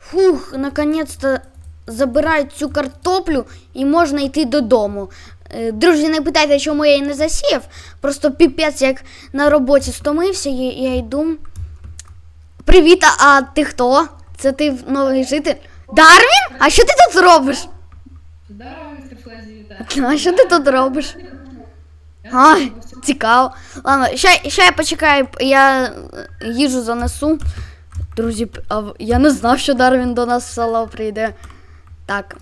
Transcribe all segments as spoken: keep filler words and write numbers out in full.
Фух, наконець-то забирають цю картоплю і можна йти додому. Друзі, не питайте, чому я її не засіяв. Просто піпець, як на роботі стомився, і я йду. Привіт, а ти хто? Це ти новий житель? Дарвін? А що ти тут робиш? Здорово, містер Флезі, вітаю. А що ти тут робиш? А, цікаво. Ладно, ще, ще я почекаю, я їжу занесу. Друзі, а я не знав, що Дарвін до нас в село прийде. Так.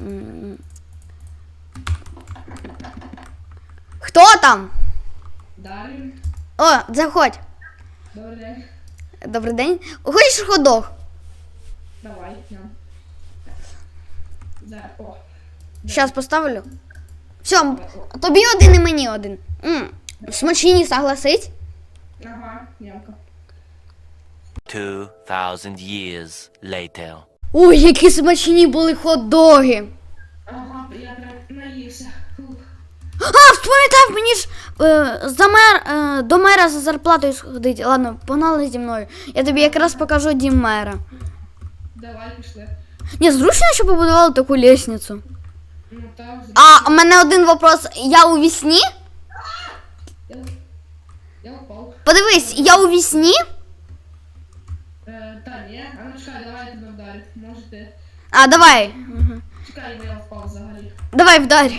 Хто там? Дарвін. О, заходь. Добрий день. Добрий день. Хочеш ходок? Давай, ням. Зараз, о. Щас поставлю. Все, тобі один і мені один. М, смачні, согласись? Ага, нямка. Two thousand years later. Ой, які смачні були хот-доги. Ага, я прям наївся. Фух. А, вспам'ятав, мені ж е, за мер, е, до мера за зарплатою сходити. Ладно, погнали зі мною. Я тобі якраз покажу дім мера. Давай, пішли. Ні, зручно, що побудували таку лестницю. Ну так, А, у мене один вопрос. Я у вісні? Я, я упав. Подивись, я у вісні? Е, та ні, а ну чекай, давай я тебе вдарю. Може ти... А, давай. Угу. Чекай, я впав взагалі. Давай, вдарь.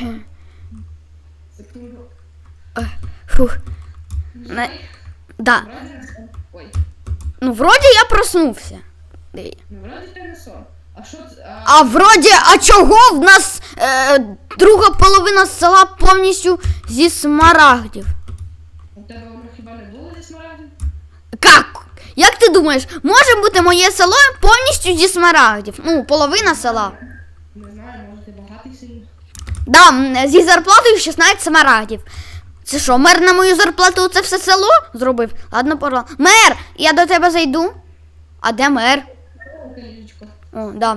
Секунду. Фух. Не... Да. Вроді не сон. Ой. Ну, вроді я проснувся. Диви. Ну, вроді ти не сон. А що це? А... А вроді, а чого в нас е, друга половина села повністю зі смарагдів? У тебе воно хіба не було зі смарагдів? Как? Як ти думаєш, може бути моє село повністю зі смарагдів? Ну, половина села. Не знаю, може ти багатий сильно. Да, м, зі зарплатою шістнадцять смарагдів. Це що, мер на мою зарплату це все село зробив? Ладно, пора. Мер, я до тебе зайду. А де мер? Колічко. О, да.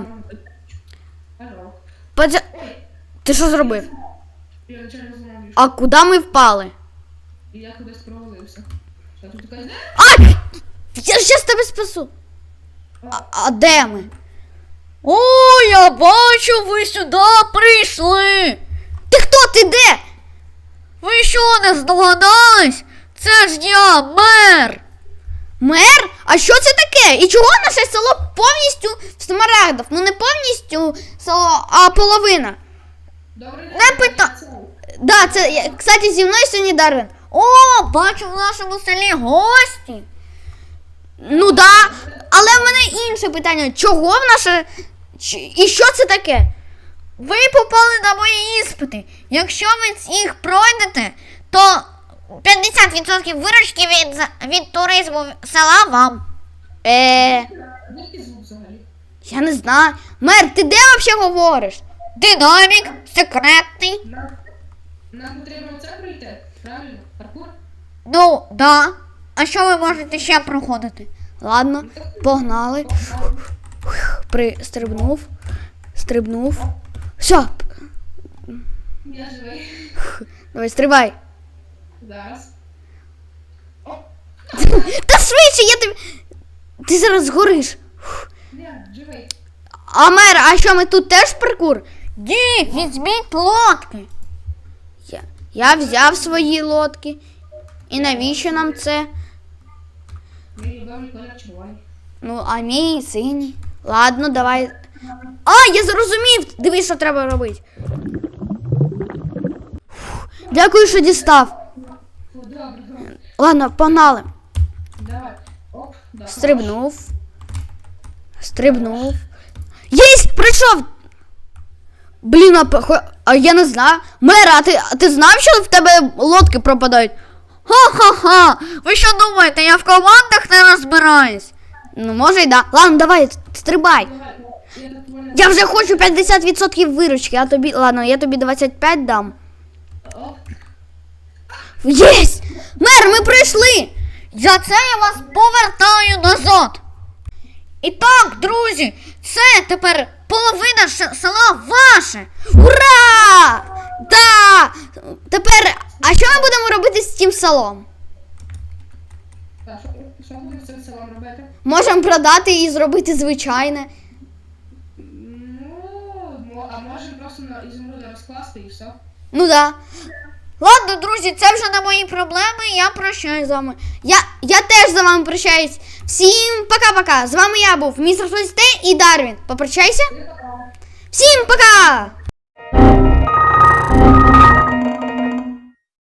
Алло. Подя... Ти що зробив? Я нічого не знаю. А куди ми впали? І я кудись провалився. Що тут така... А! Я щас тебе спасу. А, а де ми? О, я бачу, ви сюди прийшли. Ти хто? Ти де? Ви що, не здогадались? Це ж я, мер. Мер? А що це таке? І чого наше село повністю в смарагдах? Ну не повністю село, а половина. Добрий день. Не пита... Да, це, я- кстати, зі мною сьогодні Дарвін. О, бачу в нашому селі гості. Ну да, але в мене інше питання. Чого в наше... Ч- І що це таке? Ви попали на мої іспити. Якщо ви їх пройдете, то п'ятдесят відсотків виручки від, за- від туризму села вам. Е, Який звук взагалі? я не знаю. Мер, ти де взагалі говориш? Динамік, секретний. Нам, нам потрібно це пройти, правильно? Паркур? Ну, да. А що ви можете ще проходити? Ладно, погнали. Пристрибнув. Стрибнув. Все, Я живий. давай, стрибай. Зараз. О, Та швидше, я тобі. Ти зараз згориш. я живий. А мер, а що ми тут теж паркур? Ді, візьміть лодки. Я, я взяв свої лодки. І навіщо нам це? Мій любимий колір червоний. Ну, а мій синій. Ладно, давай. А, я зрозумів! Дивись, що треба робити. Фух, дякую, що дістав. Фу, добре, добре. Ладно, погнали. Давай. Оп, да. Стрибнув. Стрибнув. Єсть! Прийшов! Блін, а, похо- а я не знаю. Мера, а ти, а ти знав, що в тебе лодки пропадають? Ха-ха-ха! Ви що думаєте, я в командах не розбираюсь? Ну, може й да. Ладно, давай, стрибай. Давай. Я так понял. Я вже хочу п'ятдесят відсотків виручки, а тобі, ладно, я тобі двадцять п'ять дам. Оп. Єсть! Мер, ми прийшли! За це я вас повертаю назад. І так, друзі, це тепер половина ш- села ваше. Ура! Да! Тепер, а що ми будемо робити з цим селом? Так, що, що будемо з цим селом робити? Можемо продати і зробити звичайне. на ізумруди розкласти і все. Ну да. Ладно, друзі, це вже не мої проблеми. Я прощаюсь з вами. Я, я теж за вами прощаюсь. Всім пока-пока. З вами я був містер Флесте і Дарвін. Попрощайся. Всім пока!